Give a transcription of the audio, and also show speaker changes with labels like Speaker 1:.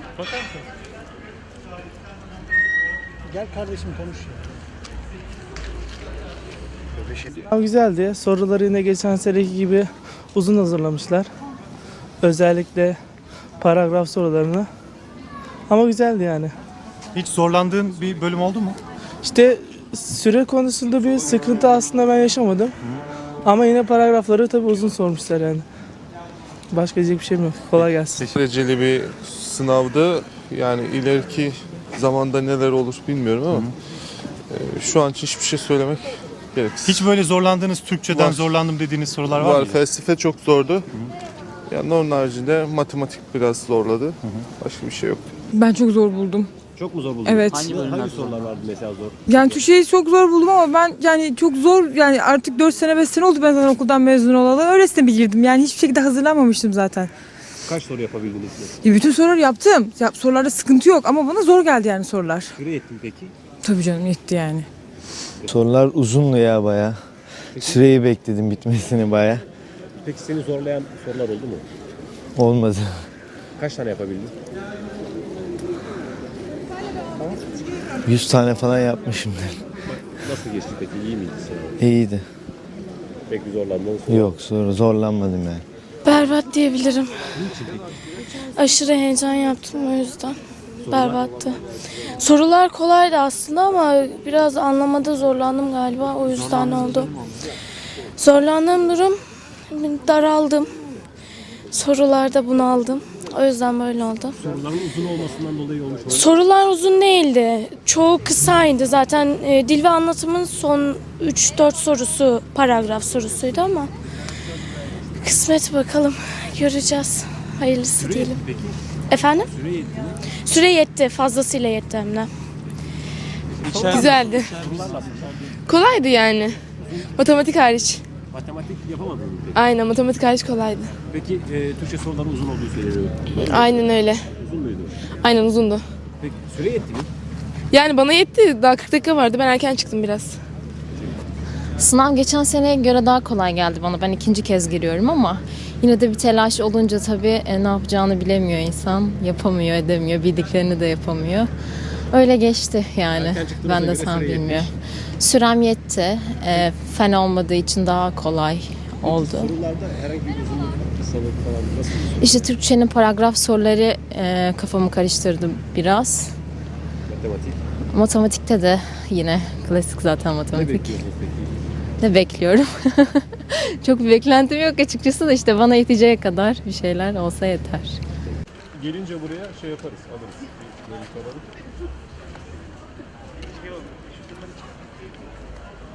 Speaker 1: Bakar mısın?
Speaker 2: Gel kardeşim konuş ya.
Speaker 3: Sınav güzeldi. Soruları yine geçen seneki gibi uzun hazırlamışlar. Özellikle paragraf sorularını. Ama güzeldi yani.
Speaker 1: Hiç zorlandığın bir bölüm oldu mu?
Speaker 3: İşte süre konusunda bir sıkıntı aslında ben yaşamadım. Ama yine paragrafları tabii uzun sormuşlar yani. Başka diyecek bir şeyim yok. Kolay gelsin.
Speaker 4: Dereceli bir sınavdı. Yani ileriki zamanda neler olur bilmiyorum ama şu an için hiçbir şey söylemek gereksiz.
Speaker 1: Hiç böyle zorlandığınız, Türkçeden
Speaker 4: Var.
Speaker 1: zorlandım dediğiniz sorular var
Speaker 4: Var.
Speaker 1: mı?
Speaker 4: Felsefe çok zordu. Yani onun haricinde matematik biraz zorladı. Başka bir şey yok.
Speaker 5: Ben çok zor buldum.
Speaker 6: Çok mu zor buldun?
Speaker 5: Evet.
Speaker 6: Hangi sorular vardı mesela zor?
Speaker 5: Yani Türkçeyi çok zor buldum ama ben yani çok zor yani artık 4 sene 5 sene oldu ben zaten okuldan mezun olalı. Öylesine bir girdim yani hiçbir şekilde hazırlanmamıştım zaten.
Speaker 6: Kaç soru yapabildiniz?
Speaker 5: Bütün soruları yaptım. Sorularda sıkıntı yok ama bana zor geldi yani sorular.
Speaker 6: Süre yetti mi peki?
Speaker 5: Tabii canım yetti yani.
Speaker 7: Sorular uzundu ya baya. Süreyi bekledim bitmesini baya.
Speaker 6: Peki seni zorlayan sorular oldu mu?
Speaker 7: Olmadı.
Speaker 6: Kaç tane yapabildin?
Speaker 7: 100 tane falan yapmışımdır.
Speaker 6: Nasıl geçti peki? İyi miydi senin?
Speaker 7: İyiydi.
Speaker 6: Pek bir zorlandığın soru.
Speaker 7: Yok zorlanmadım yani.
Speaker 8: Berbat diyebilirim. Aşırı heyecan yaptım o yüzden. Berbattı. Sorular kolaydı aslında ama biraz anlamada zorlandım galiba. O yüzden oldu. Zorlandığım durum daraldım. Sorularda bunaldım. O yüzden böyle oldu.
Speaker 6: Soruların uzun olmasından dolayı olmuş mu?
Speaker 8: Sorular uzun değildi. Çoğu kısaydı. Zaten dil ve anlatımın son 3-4 sorusu paragraf sorusuydu ama kısmet bakalım. Göreceğiz. Hayırlısı diyelim.
Speaker 6: Peki
Speaker 8: Efendim?
Speaker 6: süre yetti mi?
Speaker 8: Süre yetti. Fazlasıyla yetti hem de.
Speaker 9: Güzeldi.
Speaker 6: Sorular nasıl?
Speaker 9: Kolaydı yani. Matematik hariç.
Speaker 6: Matematik yapamadın mı peki?
Speaker 9: Aynen matematik hariç kolaydı.
Speaker 6: Peki Türkçe soruların uzun olduğu söyleniyor.
Speaker 9: Aynen öyle.
Speaker 6: Uzun muydu?
Speaker 9: Aynen uzundu.
Speaker 6: Peki süre yetti mi?
Speaker 9: Yani bana yetti. Daha 40 dakika vardı. Ben erken çıktım biraz.
Speaker 10: Sınav geçen seneye göre daha kolay geldi bana. Ben ikinci kez giriyorum ama yine de bir telaş olunca tabii ne yapacağını bilemiyor insan. Yapamıyor, edemiyor. Bildiklerini de yapamıyor. Öyle geçti yani. Ben de sana bilmiyorum. Sürem yetti. Fen olmadığı için daha kolay oldu.
Speaker 6: Sorularda herhangi bir uzunluk, kısalık falan nasıl?
Speaker 10: İşte Türkçenin paragraf soruları kafamı karıştırdı biraz.
Speaker 6: Matematik.
Speaker 10: Matematikte de yine klasik zaten
Speaker 6: Ne
Speaker 10: matematik.
Speaker 6: bekliyorsunuz peki?
Speaker 10: Ne bekliyorum. Çok bir beklentim yok açıkçası da işte bana yeteceği kadar bir şeyler olsa yeter.
Speaker 1: Gelince buraya şey yaparız, alırız. Bir alalım.